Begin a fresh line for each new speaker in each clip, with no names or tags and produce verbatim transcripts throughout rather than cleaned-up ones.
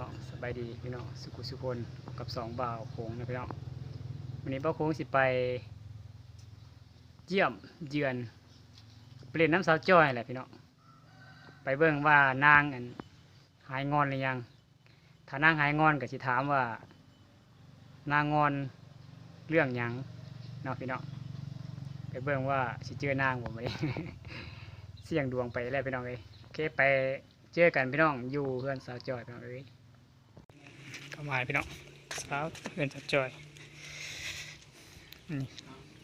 น้องสบายดีพี่น้องสุขุสุคนกับสองบ่าวโค้งนะพี่น้องวันนี้บ่าวโค้งสิไปเยี่ยมเยือนไปเล่นน้ำสาวจ้อยแหละพี่น้องไปเบิ่งว่านางอันหายงอนหรือยังถ้านางหายงอนก็สิถามว่านางงอนเรื่องหยังเนาะพี่น้องไปเบิ่งว่าสิเจอนางบ่ไหม เสี่ยงดวงไปแล้วพี่น้องเอ้ยโอเคไปเจอกันพี่น้องอยู่เพื่อนสาวจอยพี่น้องเอ้ยเข้ามาพี่น้องสาวเพื่อนสาวจอยนี่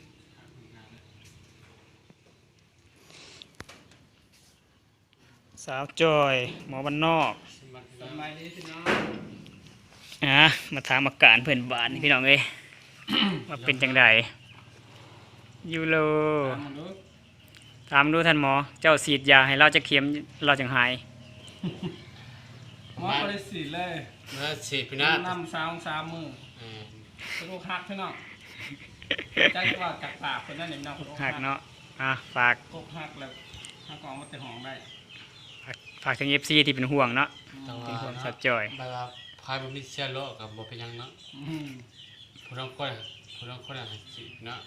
สาวจอยหมอบ้านนอกอ่ะมาถามอาการเพื่อนบ้านนี่พี่น้องเอ้ย ว่าเป็นจังไดยูโรถามดูท่านหมอเจ้าฉีดยาให้เราจะเข็มเราจังหาย
หมอก็ได้ฉีดเลย
มาฉีดพี่น้า
น้ำสามสามมือเป็นโรคหักพี่น้องจักว่ากักปากคนนั้นเนี่ยน้องโรค
หักเนาะอ่ะฝาก
โรคหักแล้วหักกองมันจะหองได้
ฝากถึงเอฟซีที่เป็นห่วงเนาะเป็นห่วงสัตว์จอย
เวลาพายมันมีเชื้อโรคกับบ่เป็นยังเนาะผู้ต้องคนผู้ต้องคนอะไรฉีดเนาะ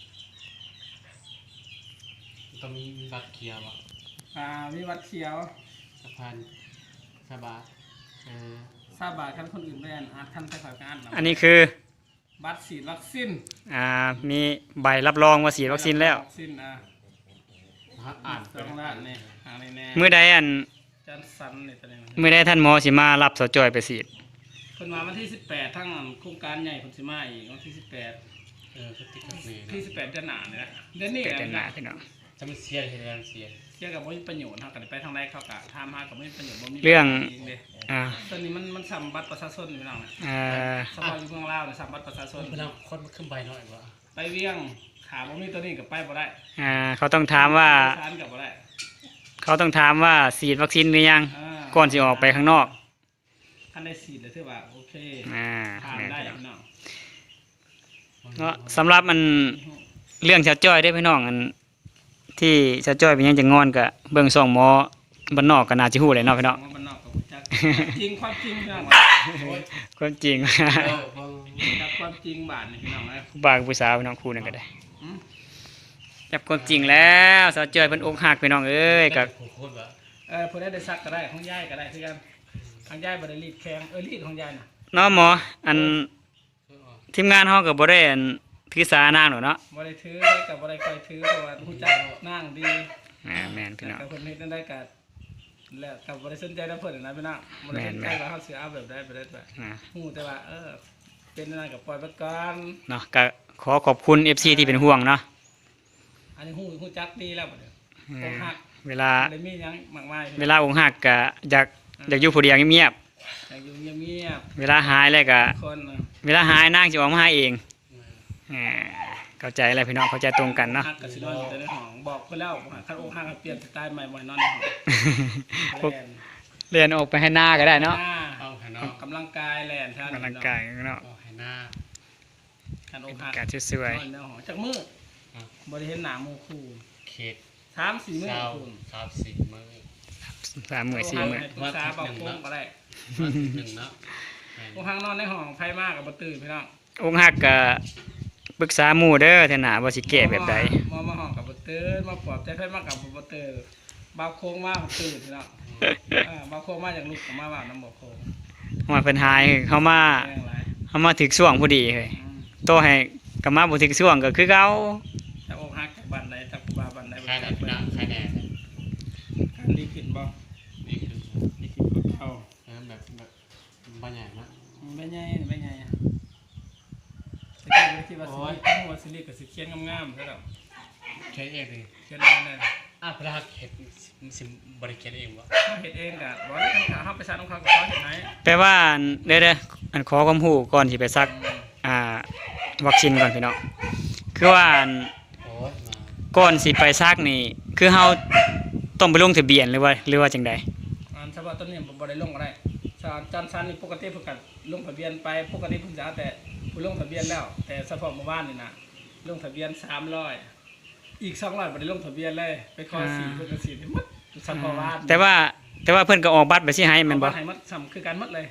ต้องมีบัตรเขียวอ่ะ
อ่ามีวัดเขียว
สะพานสบายเออ
ทราบบาทขั้นคนอื่นไม่อ่านอาจท่านไปขอการ
อันนี้คือ
บัตรฉีดวัคซีน
อ่ามีใบรับรองว่าฉีดวัคซีนแล้ว
วัคซีนอ่า
อ่าน
สองล้านเนี่ยหาในแน่
เมื่อใดอัน
จันสันเนี่ยตอนนี้
เมื่อใดท่านหมอสิมารับสาวจอยไปฉีด
คนมาวันที่สิบแปดทั้งโครงการใหญ่คนสิมาอีกวันที่สิบแปด
เออที่
ที่สิบแปดเดือนหน้าเนี่ยนะเดือนนี้
เดือนหน้าพี่น้อง
จะไม่เสียเห็นแล้วเสีย
เชื่อกับว่ามีประโยชน์ทางการไปทางใดเขากะทำมากับไม่ประโยชน์บ่มี
เรื่องอ่า
ตอนนี้มันมันสัมบัติประชาชนไม่ต้องนะ
อ่า
สมัยอยู่เมืองลาวเนี่ยสัมบัติประชาชน
เป็นเราคนขึ้นใบหน่อยว่า
ไปเวียงถามว่ามีตัวนี้กับไปบ่ได้
อ่าเขาต้องถามว่าเขาต้องถามว่าฉีดวัคซีนหรือยังก่อนสิออกไปข้างนอก
ท่านได้ฉีดเลยถือว่าโอเค
อ่า
ทานได้พี่น้อง
เนาะสำหรับมันเรื่องชาวจ้อยได้พี่น้องอันที่ชาวจ้อยเป็นยังจะงอนกับเบื้องสองหมอบ้านนอกก็น่าจะฮู้เลยเนาะพี่น้อง
บ้านนอกก็จักจริงความจริงพี่น้อง
ความจริง
จักความจริงบาทนี่พี่น้องนะ
บางผู้สาวพี่น้องคู่นั่นก็ได้จับความจริงแล้วชาวจ้อยเพิ่นอกหักพี่น้องเอ้ยกับ
เออเพิ่นได้ซักก็ได้ของยายก็ได้คือกันทางยายบ่ได้รีดแข้งเออรีดของยายน่ะ
เนาะหมออันทีมงานเฮาก็บ่ได้อันถือสานางหรอกเนาะ
บ่ได้ถือกับบ่ได้ค่อยถือเพราะว่าฮู้จักนางดี
อ่าแม่นพี่น้อง
แต่เพิ่นเฮ็ดได้ก็แล้วก็บ่ได้สนใจนำเพิ่นนะพี่น้องบ่ได้สนใจว่าเฮาสิเอาแบบใดแบบใดแบบฮู้แต่ว่าเออเป็นนั่นก็ปล่อยไปก่อน
เนาะก็ขอขอบคุณ เอฟ ซี ที่เป็นห่วงเนาะ
อันนี้ฮู้ฮู้จักดีแล้วบัดนี้อกหัก
เวลา
ได้มีหยังมากมาย
เวลาอกหักก็อยากอยากอยู่ผู้เดียวเงียบ
ๆอยากอยู่เงียบ
ๆเวลาหายแล้วก็
คน
เวลาหายนางสิออกมาหาเองอ่าเข้าใจอะไรพี่น้องเข้าใจตรงกันเนาะ
ก็สินอนอยู่ในห้องบอกเพิ่นแล้วคันอกหักเปลี่ยนสไตล์ใหม่บ่ให้นอนในห้อง
เรียนออกไปให้หน้าก็ได้เนาะ
กำลังกายแล่นท่าน
กำลังกายเนาะ
ให้หน้า
คันอกหัก
การสวย
ๆนอนในห้องจักมื้อบ่ได้เห็นหน้าหมู่คู่
เขต
สามสี่ มื้อคุณ
สามสี่มื้อ
สามมื้อสี่มื้อ
ภาษาบอกคงบ่ได้
หนึ่งเนาะ
อกหักนอนในห้องไผมาก็บ่ตื่นพี่น้อง
อกหักก็ปรึกษาหมู่เด้อเท่าน่ะว่าสิแก้แบบใด
มามาห้องกับบ่ตื่นมาปลอบใจไผมากับบ่ตื่นบ่าวโค้งมาบ่ตื่นพี่น้องเออบ่าวโค้งมาจากลูกก็มาว่านำบ่โค้ง
ว่าเพิ่นหายเฮามาเฮามาถึกช่วงพอดีเฮ้ยโตให้ก็มาบ่ถึกช่วงก็คือเก่า
จักอกหักจากบ้านใดจักบ้านบ้านใดบ่
ใครได้พี่น้องใครแน่
การดีขึ้นบ่
ดีขึ้น
ดีขึ้นกว่าเก่า
เออแบบแบบบ่ใหญ่นะ
บ่ใหญ่บ่ใหญ่แต่ก็คิดว่าสิหัวสิริก็สิเขียนงามๆซะแล้ว
เขียนเองดิ
เขียนได้นั่น
อ่ะพระเฮ็ดสิบ่ได้เขียนเองบ่
เฮ็ดเองก็บ่ได้ทางเฮาไปซักของเขาก็เขาเฮ็ดให้
แปลว่าเด้อๆอันขอความรู้ก่อนสิไปซักอ่าวัคซีนก่อนพี่น้องคือว่าก่อนสิไปซักนี่คือเฮาต้องไปลงทะเบียนหรือว่าหรือว่าจังได๋
อันเฉพาะต้นนี้บ่ได้ลงก็ได้สารจันทร์นี่ปกติเพิ่นก็ลงทะเบียนไปปกติเพิ่นจะแต่ผู้ลงทะเบียนแล้วแต่เฉพาะเมื่อวานนี่นะลงทะเบียนสามร้อยอีกสองร้อยบ่ได้ลงทะเบียนเลยไปขอสี่เพิ่นก็สี่หมดเฉพาะวาน
แต่ว่าแต่ว่าเพิ่นก็ออกบัตรไปสิให้แม่นบ่
ให้หมดซ้ำคือกันหมดเลย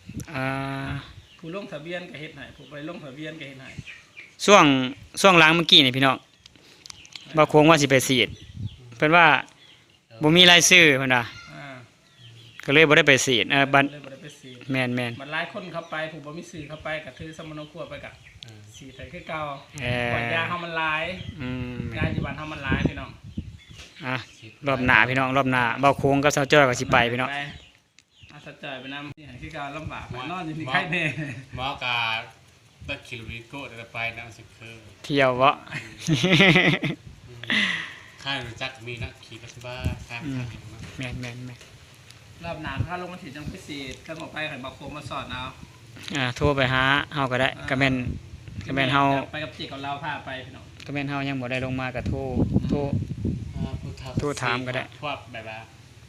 อ่า
ผู้ลงทะเบียนก็เฮ็ดให้ผู้บ่ได้ลงทะเบียนก็เฮ็ดให้
ช่วงช่วงหลังเมื่อกี้นี่พี่น้องบ่โค้งว่าสิไปฉีดเพิ่นว่าบ่มีรายชื่อเพิ่นว่า
อ่า
ก็เลยบ่ได้ไปฉีดเออบัด
เลยบ่ได้ไปฉีด
แม่นแม่น
มันหลายคนเข้าไปผู้บ่มีสื่อเข้าไปก็ถือสมโนครัวไปก็
เออ
ฉีดให้คือเก่า
เอ่อ
ก่อนยาเฮามันหลาย
อืม
ยาอยู่บ้านเฮามันหลายพี่น้อง
อ่ะรอบหน้าพี่น้องรอบหน้าเบาโค้งกับสาวจ้อยก็สิไปพี่น้อง
อาสะจ่อยไปนำนี่ให้คือเก่าลำบากนอนอยู่นี่ไข้แน่
หมอกาบักคิลวิโก้แต่ไปนะสิคือ
เที่ยวบ่
ค่ายรู้จักมีนักขี่รถบ้าข้ามทางมา
แม่นแม่นแม่น
รอบหน้าถ้าลงมาฉีดจังพิเศษถ้าหมอไปให้บักโคมมาสอนเอา
อ่าโทรไปหาเฮาก็ได้ก็แม่นก็แม่นเฮา
ไปกับจิกับเราพาไปพี่น้อง
ก็แม่นเฮายังบ่ได้ลงมาก็โทรโทร โทรถามก็ได้
พวกแบบว่า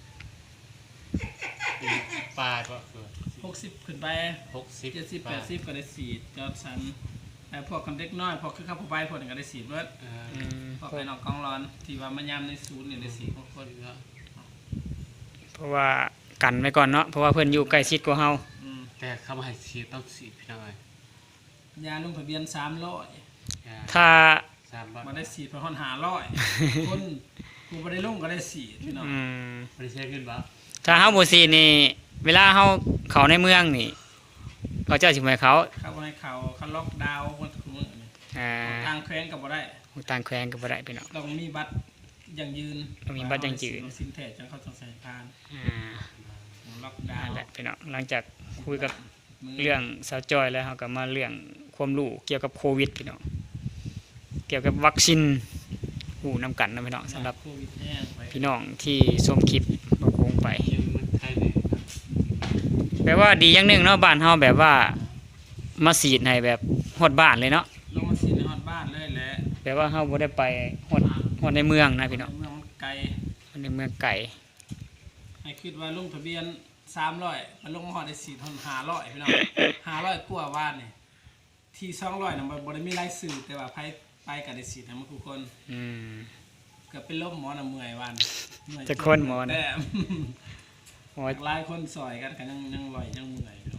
ปลาก็คือ
หกสิบขึ้นไป
หกสิบ
เจ็ดสิบแปดสิบก็ได้ฉีดจอดสันไอ้พวกคนเด็กน้อยพวกคือเข้าผู้ไปพวกนึงก็ได้ฉีดเบิด
เออ
อืม
พวกไปนอกกองร้อนที่ว่ามันยามในศูนย์เนี่ยได้ฉีดพวกคน
เพราะว่ากันไว้ก่อนเนาะเพราะว่าเพิ่นอยู่ใกล้ชิดกว่าเฮา
อืม
แต่เข้ามาให้ฉีดต้องฉีดพี่น้อย
ยาลงทะเบียนสามร้อย
ถ้า
สามบาท
มาได้ฉีดพอหอนหาร้อยคนผู้บ่ได้ลงก็ได้ฉีดพี่น้อง
อืม
ไม่ได้ใช้ขึ้นบ่
ถ้าเฮาบ่ซีดนี่เวลาเฮาเข้าในเมืองนี่เขาเจ้าสิบ่ให้เขา
เข้าในเขาเขาล็อกดาวน์คนทุกมื้อนี่
อ่า
ทางแขวงก็บ่ได้
ต่างแขวงก็บ่ได้พี่น้อง
ต้องมีบัตรยังยืน
ต้องมีบัตรยังยืน
สินแท้จังเขาต้องใส่พาน
อ่า
ล็อกดา
นั่
วน
แหละพี่น้องหลังจากคุยกับ
มื
เรื่องสาวจอยแล้วเฮาก็มาเรื่องความรู้เกี่ยวกับโควิดพี่น้องเกี่ยวกับวัคซีนหูนํกันนะพี่น้องสำหรับ
โควิดแห้งไป
พี่น้องที่ชมคลิปบ่คงไป
ยังมันไทยเนี่ย
แปลว่าดีอย่างหนึงเนาะบ้านเฮาแบบว่ามาฉีดให้แบบฮอดบ้านเลยเนาะ
ลงมาฉีดในฮอดบ้านเลยแหละ
แปลว่าเฮาบ่ได้ไปฮอดฮอดในเมืองนะพี่น้อง
เมืองมันไกล
ฮอดในเมืองไกล
ให้คิดว่าลงทะเบียนสามร้อยมันลงมาฮอดได้สี่ทนห้าร้อยพี่น้อง ห้าร้อยกว่าบ้านนี่ที่สองร้อยน่ะมันบ่ได้มีรายสื่อแต่ว่าไปไปก็ได้ฉีดให้มันทุกคน
อืม
เกือบเป็นลมหมอน่ะเมื่อยวันเมื่อย
จะคนหมอน่ะ
แต่
โอ้ย
หลายคนซอยกันก็ยังยังลอยยังเมื่อยอยู่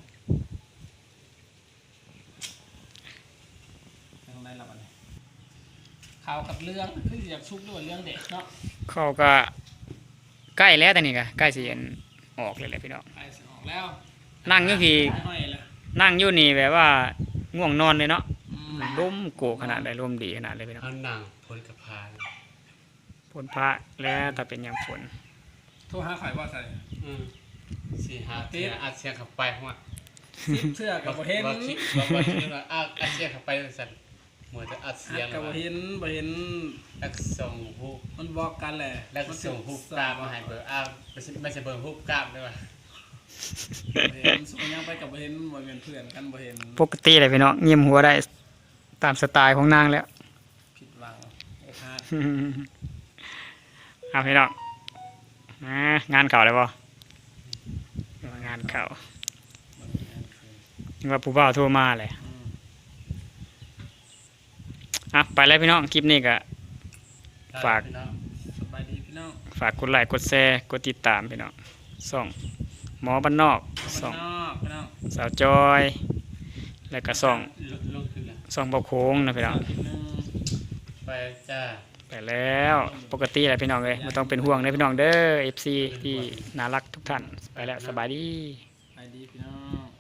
ทางใดล่ะบัดนี้ข่าวกับเรื่องคืออยากชุกด้วยเรื่องเด็กเนาะ
เขาก็ใกล้แล้วแต่นี่ก็ใกล้สิเห็นออกเลยแหละพี่น้อง
ไปสิออกแล้ว
นั่งอยู่พี่
ห้อยแล้ว
นั่งอยู่นี่แบบว่าง่วงนอนเลยเนาะ
อืม
ลมโกขนาดใดลมดีขนาดเลยพี่น้อง
เอาหนังพ้นกับพาน
ฝนพระแล้วถ้าเป็นยามฝน
โทรหาข่อยว่าใส่
อืมสี่ห้าเตียอัดเสียงเข้าไปหัว
ซิปเสื้อกับบ่เห็น
ว่าคิดว่าว่าคิดว่าอัดอัดเสียงเข้าไปสั่นเหมือนจะอัดเสียง
กับบ่เห็นบ่เห็น
แล้วก็ส่งฮูป
มันบอกกันแหละ
แล้วก็ส่งฮูปกล้ามมาให้เบอร์อ้าวไม่ใช่ไม่ใช่เบอร์ฮูปกล้ามด้วยว่ะ
บ่เห็นส่งยังไปกับบ่เห็นบ่เป็นเพื่อนกันบ่เห็น
ปกติเลยพี่น้องเงียบหัวได้ตามสไตล์ของนางแล้ว
ผิดหวังโอ้พลาด
เอาพี่น้องอ่างานเก่าเลยป่งานเก่านึกว่าผู้บ่าวโทรมาเลย
อืม
อ่ะไปแล้วพี่น้องคลิปนี้ก็ ฝาก
สบายดีพี่น้อง
ฝากกดไลค์กดแชร์กดติดตามพี่น้องส่องหมอบ้านนอก
พี่
ส่อง
น้องพี่น้อง
สาวจอย แล้วก็ส่อง
ลงขึ้นแล้ว
ส่องเบาโค้งนะพี่น้อง
หนึ่ง
ไปจ้า
ไปแล้วปกติแหละพี่น้องเลยไม่ต้องเป็นห่วงเลยพี่น้องเด้อ เอฟ ซี ที่น่ารักทุกท่านไปแล้วสบายดี
สบายดีพี่น้อง